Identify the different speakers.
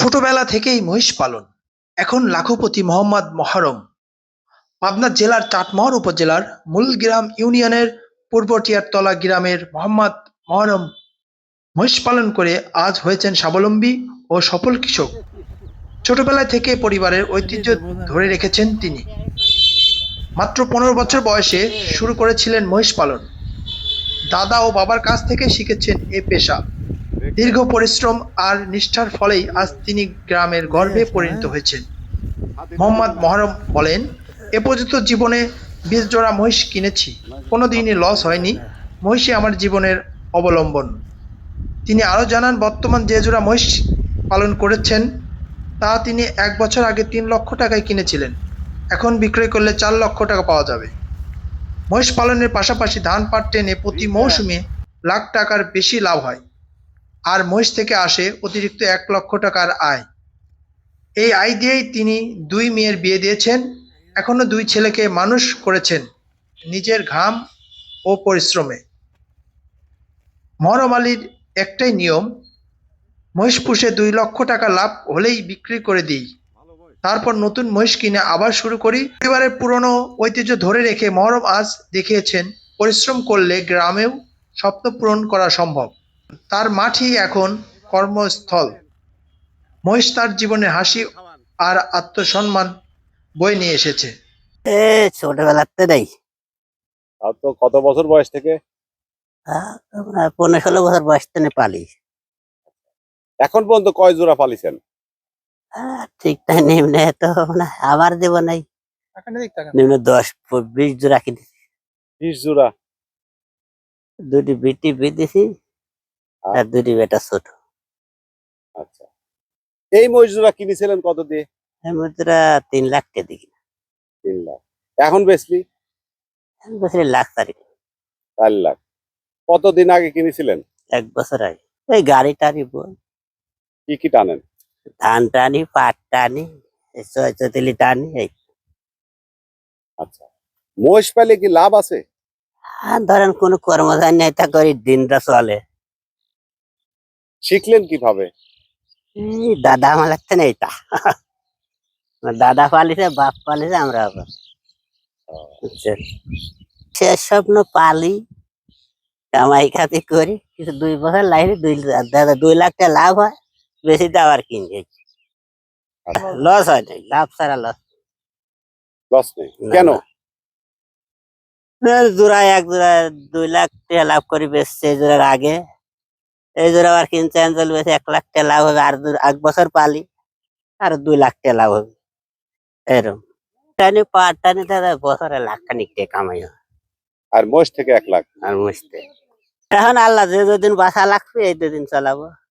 Speaker 1: ছোটবেলা থেকেই মহিষ পালন। এখন লাখপতি মোহাম্মদ মহরম পাবনা জেলার চাটমোহর উপজেলার মূলগ্রাম ইউনিয়নের পূর্ব টিয়ারতলা গ্রামের মোহাম্মদ মহরম মহিষ পালন করে আজ হয়েছেন স্বাবলম্বী ও সফল কৃষক। ছোটবেলা থেকে পরিবারের ঐতিহ্য ধরে রেখেছেন তিনি। মাত্র ১৫ বছর বয়সে শুরু করেছিলেন মহিষ পালন। দাদা ও বাবার কাছ থেকে শিখেছেন এ পেশা। দীর্ঘ পরিশ্রম আর নিষ্ঠার ফলেই আজ তিনি গ্রামের গর্বে পরিণত হয়েছেন। মোহাম্মদ মহরম বলেন, এ পর্যন্ত জীবনে ২০ জোড়া মহিষ কিনেছি, কোনোদিনই লস হয়নি। মহিষই আমার জীবনের অবলম্বন। তিনি আরও জানান, বর্তমান যে জোড়া মহিষ পালন করেছেন তা তিনি ১ বছর আগে ৩ লক্ষ টাকায় কিনেছিলেন। এখন বিক্রয় করলে ৪ লক্ষ টাকা পাওয়া যাবে। মহিষ পালনের পাশাপাশি ধান পাট টেনে প্রতি মৌসুমে লাখ টাকার বেশি লাভ হয়। আর মহিষ থেকে আসে অতিরিক্ত ১ লক্ষ টাকার আয়। এই আয় দিয়েই তিনি ২ মেয়ের বিয়ে দিয়েছেন। এখনো ২ ছেলেকে মানুষ করেছেন নিজের ঘাম ও পরিশ্রমে। মহরম আলীর একটাই নিয়ম, মহিষ পুষে ২ লক্ষ টাকা লাভ হলেই বিক্রি করে দিই, তারপর নতুন মহিষ কিনে আবার শুরু করি। পরিবারের পুরনো ঐতিহ্য ধরে রেখে মহরম আজ দেখিয়েছেন, পরিশ্রম করলে গ্রামেও স্বপ্ন পূরণ করা সম্ভব। তার মাঠই এখন কর্মস্থল। মহিষ তার জীবনে হাসি আর আত্মসম্মান বয়ে নিয়ে এসেছে।
Speaker 2: ছোটবেলাতে নেই।
Speaker 3: আর তো কত বছর বয়স থেকে?
Speaker 2: ১৫-১৬ বছর বয়স থেকে পালি।
Speaker 3: এখন পর্যন্ত কয় জোড়া পালিছেন?
Speaker 2: ঠিক তাই নিম্নে তো আমার জীবনে নিম্নে ১০-২০ জোড়া কিনেছি।
Speaker 3: ২০ জোড়া?
Speaker 2: ২টি বিটি বিদেছি আর ২টি বেটা ছোট।
Speaker 3: আচ্ছা, এই মহিষ জোড়া কিনেছিলেন কত দিয়ে?
Speaker 2: মুদ্রা ৩ লাখ টাকা দিই।
Speaker 3: ৩ লাখ। এখন বেচলি?
Speaker 2: বছরে লাখ
Speaker 3: ৪ লাখ। কতদিন আগে কিনেছিলেন?
Speaker 2: ১ বছর আগে। এই গাড়ি টানি বই,
Speaker 3: কি কি টানেন?
Speaker 2: ধান টানি, পাট টানি, চৈতলি টানি। এই
Speaker 3: আচ্ছা, মহিষ পালে কি লাভ আছে?
Speaker 2: আর ধরেন কোনো কর্মধান নেই, তা করি দিনটা চলে।
Speaker 3: শিখলেন কিভাবে?
Speaker 2: এই দাদা আমার লাগতে নেই তা। দাদা পালিছে, বাপ পালিছে, আমরা আবার শেষ স্বপ্ন পালি, কামাই খাতি করি, কিছু ২ বছর লাগে, ২ লাখ টাকা লাভ হয়, বেশি তো আবার কিনি। লস হয় নাই, লাভ ছাড়া লস।
Speaker 3: লস নেই কেন?
Speaker 2: জোড়া ১ জোড়া ২ লাখ টাকা লাভ করি বেচছে এই জোড়ার আগে। এই জোড়া আবার কিনছে অঞ্চল বেশি ১ লাখ টাকা লাভ হবে। আর ১ বছর পালি আর ২ লাখ টাকা লাভ হবে। এরকম টানি পাট টানি দাদা বছরে লাখখানিক টাকা কামাই হয়।
Speaker 3: আর মহিষ থেকে ১ লাখ?
Speaker 2: আর মুছতে এখন আল্লাহ যে দুদিন বাসা লাগবে এই ২ দিন চালাবো।